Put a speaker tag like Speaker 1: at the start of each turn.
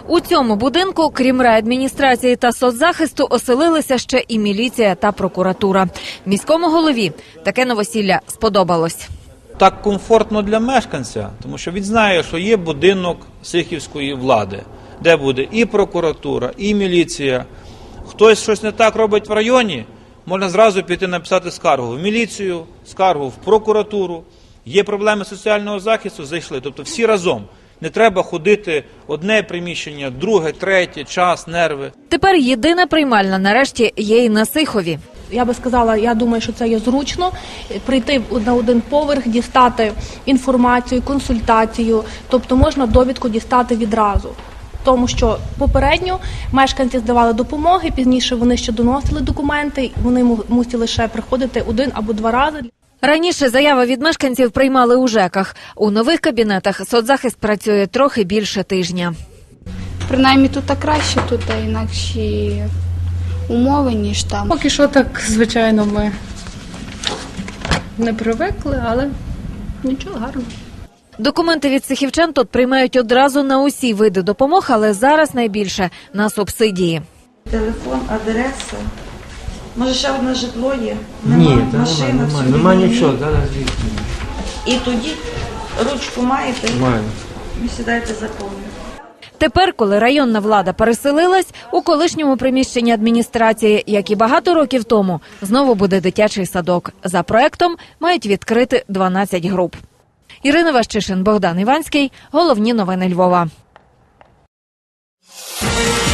Speaker 1: У цьому будинку, крім райадміністрації та соцзахисту, оселилися ще і міліція та прокуратура. Міському голові таке новосілля сподобалось.
Speaker 2: Так комфортно для мешканця, тому що він знає, що є будинок сихівської влади, де буде і прокуратура, і міліція. Хтось щось не так робить в районі, можна зразу піти написати скаргу в міліцію, скаргу в прокуратуру. Є проблеми соціального захисту, зайшли. Тобто всі разом. Не треба ходити одне приміщення, друге, третє, час, нерви.
Speaker 1: Тепер єдина приймальна нарешті є і на Сихові.
Speaker 3: Я би сказала, я думаю, що це є зручно, прийти на один поверх, дістати інформацію, консультацію, тобто можна довідку дістати відразу. Тому що попередньо мешканці здавали допомоги, пізніше вони ще доносили документи, вони мусили ще приходити один або два рази.
Speaker 1: Раніше заяви від мешканців приймали у ЖЕКах. У нових кабінетах соцзахист працює трохи більше тижня.
Speaker 4: Принаймні тут краще, тут інакші умови, ніж там.
Speaker 5: Поки що так, звичайно, ми не привикли, але нічого, гарно.
Speaker 1: Документи від сихівчан тут приймають одразу на усі види допомог, але зараз найбільше на субсидії.
Speaker 6: Телефон, адреса. Може, ще одне житло є?
Speaker 7: Ні,
Speaker 6: машина,
Speaker 7: нема нічого, зараз звідси.
Speaker 6: І тоді ручку маєте?
Speaker 7: Маю.
Speaker 6: Ви сідаєте заповнюєте.
Speaker 1: Тепер, коли районна влада переселилась, у колишньому приміщенні адміністрації, як і багато років тому, знову буде дитячий садок. За проектом мають відкрити 12 груп. Ірина Ващишин, Богдан Іванський. Головні новини Львова.